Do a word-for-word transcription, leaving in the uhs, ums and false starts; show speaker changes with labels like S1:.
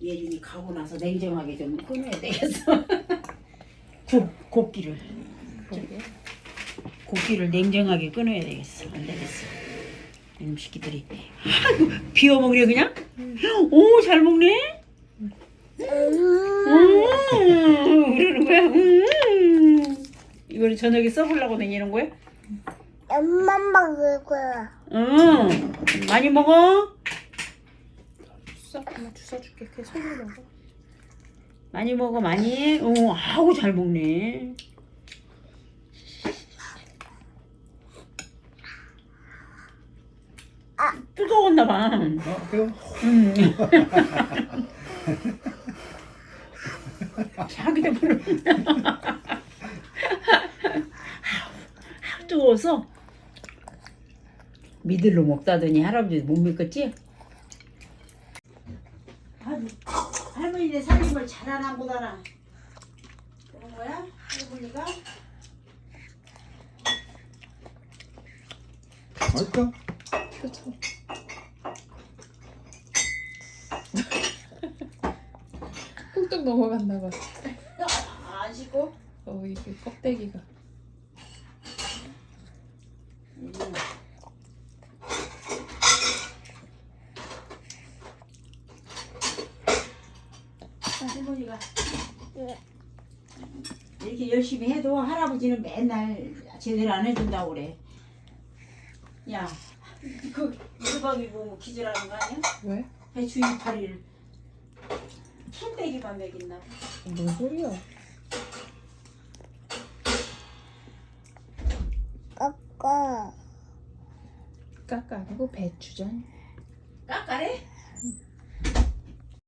S1: 예준이 가고 나서 냉정하게 좀 끊어야 되겠어. 곱, 곱기를. 곱기를 냉정하게 끊어야 되겠어. 안 되겠어. 이놈 새끼들이. 아이고, 비워먹으려 그냥? 오, 잘 먹네? 음, 그러는 거야? 음. 이거를 저녁에 써보려고 다니는 거야?
S2: 엄마 먹을 거야.
S1: 응. 많이 먹어?
S3: 주워, 엄마 주워 줄게. 그냥 손으로 먹어.
S1: 많이 먹어, 많이. 어, 아우, 잘 먹네.
S2: 아.
S1: 뜨거웠나 봐.
S4: 어, 그래요?
S1: 음. 자기도 부른다. 아우, 뜨거워서 믿을로 먹다더니 할아버지 못 믿겠지? 아주 할머니네 살림을 잘하나 못하나 그런 거야? 할머니가?
S4: 맛있다.
S3: 표정. 뚝뚝 넘어갔나 봐.
S1: 아, 안 씻고?
S3: 어, 이게 껍데기가.
S1: 음. 할머니가 이렇게 열심히 해도 할아버지는 맨날 제대로 안 해준다고 그래. 야, 그 유방이 보면 기절하는 거 아니야?
S3: 왜?
S1: 배추 이파리를 풀떼기만 먹였나 봐.
S3: 뭔 소리야?
S2: 까까.
S3: 까까 아니고 배추전.
S1: 깎아래?